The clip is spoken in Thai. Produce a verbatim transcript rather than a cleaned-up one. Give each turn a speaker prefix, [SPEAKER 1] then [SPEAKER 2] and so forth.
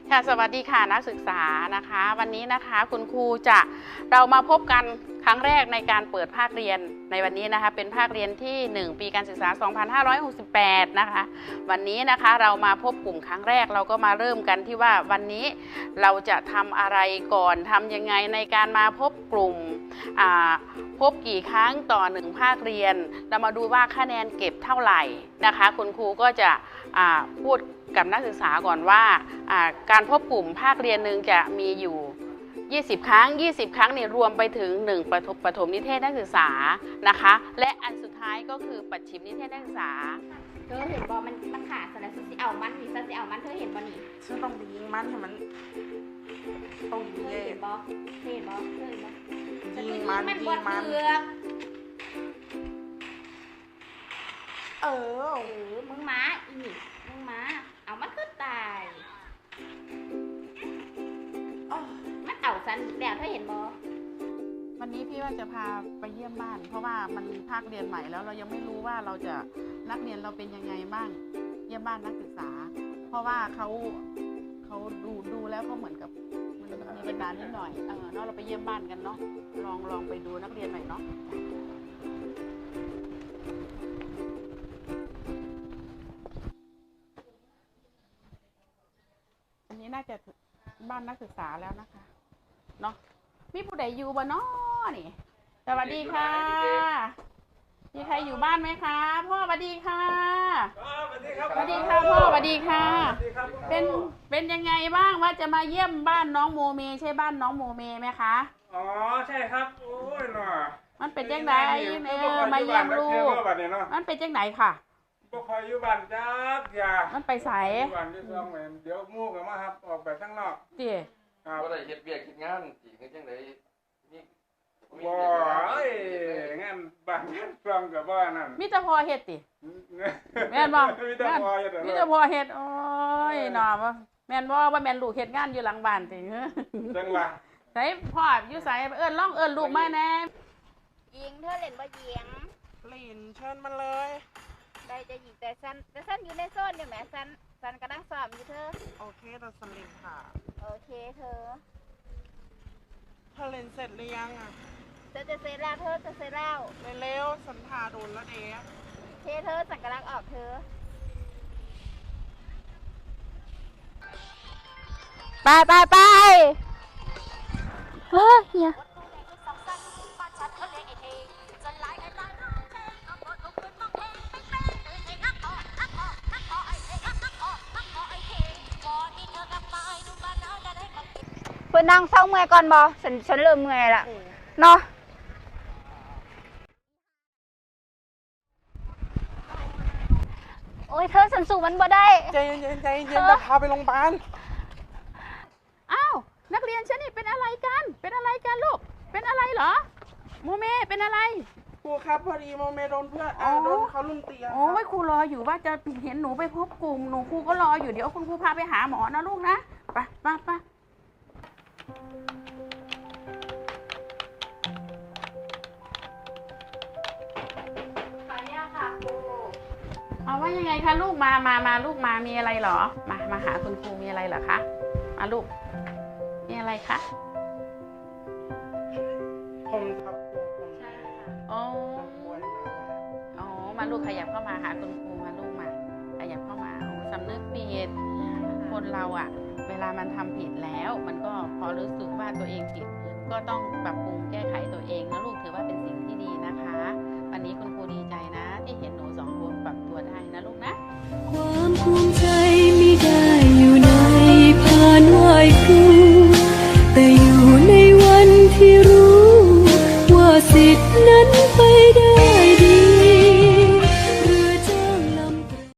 [SPEAKER 1] ค่ะสวัสดีค่ะนักศึกษานะคะวันนี้นะคะคุณครูจะเรามาพบกันครั้งแรกในการเปิดภาคเรียนในวันนี้นะคะเป็นภาคเรียนที่หนึ่งปีการศึกษาสองพันห้าร้อยหกสิบแปดนะคะวันนี้นะคะเรามาพบกลุ่มครั้งแรกเราก็มาเริ่มกันที่ว่าวันนี้เราจะทำอะไรก่อนทำยังไงในการมาพบกลุ่มพบกี่ครั้งต่อหนึ่งภาคเรียนเรามาดูว่าคะแนนเก็บเท่าไหร่นะคะคุณครูก็จะพูดกับนักศึกษาก่อนว่าการพบกลุ่มภาคเรียนหนึ่งจะมีอยู่ยี่สิบครั้งยี่สิบครั้งเนี่ยรวมไปถึงหนึ่งประถมประถมนิเทศนักศึกษานะคะและอันสุดท้ายก็คือปัจฉิมนิเทศนักศึกษา
[SPEAKER 2] เธอเห็นบอมันมันขาดสารสุสิเอามันนี่ซะสิเอามันเธอเห็นบอนี่
[SPEAKER 3] ฉันต้องไปยิงมันให้มันต้องยิง
[SPEAKER 2] เธอเห็นบอเธอเห็นบอเธอเห็นบอ
[SPEAKER 3] ยิงมันยิงมันเออ
[SPEAKER 2] เออมึงม้าอีนี่มึงม้าเอามันก็ตายมันเอาซันแล้วเธอเห็นบอ
[SPEAKER 1] วันนี้พี่ว่าจะพาไปเยี่ยมบ้านเพราะว่ามันภาคเรียนใหม่แล้วเรายังไม่รู้ว่าเราจะนักเรียนเราเป็นยังไงบ้างเยี่ยมบ้านนักศึกษาเพราะว่าเขาเขาดูดูแล้วเขาเหมือนกับมันมีปัญหานิดหน่อยเออเนาะเราไปเยี่ยมบ้านกันเนาะลองลองไปดูนักเรียนหน่อยเนาะอันนี้น่าจะบ้านนักศึกษาแล้วนะคะเนาะมีผู้ใดอยู่บ้านเนาะนี่สวัสดีค่ะมีใครอยู่บ้านไหมคะพ่อสวัสดีค่ะสวัสดีครับสวัสดีค่ะพ่อสวัสดีค่ะเป็นเป็นยังไงบ้างว่าจะมาเยี่ยมบ้านน้องโมเมใช่บ้านน้องโมเมไหมคะ
[SPEAKER 4] อ๋อใช่ครับโอ้ยหน่อ
[SPEAKER 1] มันเป็นจังไหนเออมาเยี่ยมลูกมันเป็นจังไหนค่ะ
[SPEAKER 4] พวกคอยอยู่บ้านจักอย่า
[SPEAKER 1] มันไปใส่
[SPEAKER 4] บ้านที่ซองแหวนเดี๋ยวมู่กันมาครับออกไปข้างนอก
[SPEAKER 1] จี
[SPEAKER 4] ครับ
[SPEAKER 5] ว่าได้เฮ็ดเวียกเฮ็ดงานสิเฮ็ดจังได๋นี่
[SPEAKER 4] บ่เอ้ยงานบ้านงานซองก็บ่นั่น
[SPEAKER 1] มีแต่พอเฮ็ดติแม่นบ่
[SPEAKER 4] มีแต่พอเฮ็ด
[SPEAKER 1] มีแต่พอเฮ็ดโอ้ยหน่อบ่แม่นบ่ว่าแม่นลูกเฮ็ดงานอยู่หลังบ้านติ
[SPEAKER 4] จังหวะ
[SPEAKER 1] ไสพ่ออยู่ไสเอิ้นร้องเอิ้นลูกมาแน่
[SPEAKER 2] ยิงเธอเล่นบ่ยิง
[SPEAKER 3] เล่นเชิญมันเลย
[SPEAKER 2] ได้จะยิงแต่ซันแต่ซันอยู่ในโซนอยู่แหมซันซันกำลังสอบอยู่เธอ
[SPEAKER 3] โอเคเราสลิงค่ะ
[SPEAKER 2] โอเคเธอ
[SPEAKER 3] เธอเล่นเสร็จหรือยังอ่ะ
[SPEAKER 2] เธอจะเสร็จแล้วเธอจะเสร็จแล้ว
[SPEAKER 3] เร็วๆสันทาโดนแล้วเด็ก
[SPEAKER 2] เคเธอสังกำลังออกเธอไปไปไปเฮ้ยเฮียเพื่อนนั่งเศร้าเมื่อยก่อนบอฉันฉันเริ่มเมื่อยละเนาะโอ้ยเธอฉันสู้มันบ่ได้
[SPEAKER 3] ใจเย็นใจเย็นจะพาไปโรงพยาบาล
[SPEAKER 1] อ้าวนักเรียนฉันนี่เป็นอะไรกันเป็นอะไรกันลูกเป็นอะไรเหรอโมเมเป็นอะไร
[SPEAKER 3] ครูครับพอดีโมเมโดนเพื่อนอ่าโดนเขาลุมตี
[SPEAKER 1] โอ้ยครูรออยู่ว่าจะเห็นหนูไปพบกลุ่มหนูครูก็รออยู่เดี๋ยวคุณครูพาไปหาหมอนะลูกนะไปไปไปเอาว่ายังไงคะลูกมามามาลูกมามีอะไรเหรอมามาหาคุณครูมีอะไรเหรอคะมาลูกมีอะไรคะ
[SPEAKER 3] ผมครับ
[SPEAKER 1] ใช่ค่ะอ๋ออ๋อมาลูกขยับเข้ามาหาคุณครูมาลูกมาขยับเข้ามาสำนึกผิดคนเราอะเวลามันทำผิดแล้วมันก็พอรู้สึกว่าตัวเองผิดก็ต้องปรับปรุงแก้ไขตัวเองนะลูกถือว่าเป็นสิ่งที่ดีนะคะวันนี้คุณครูดีใจนะที่เห็นหนูสองคนปรับตัวได้นะลูกนะ
[SPEAKER 6] ความภูมิใจ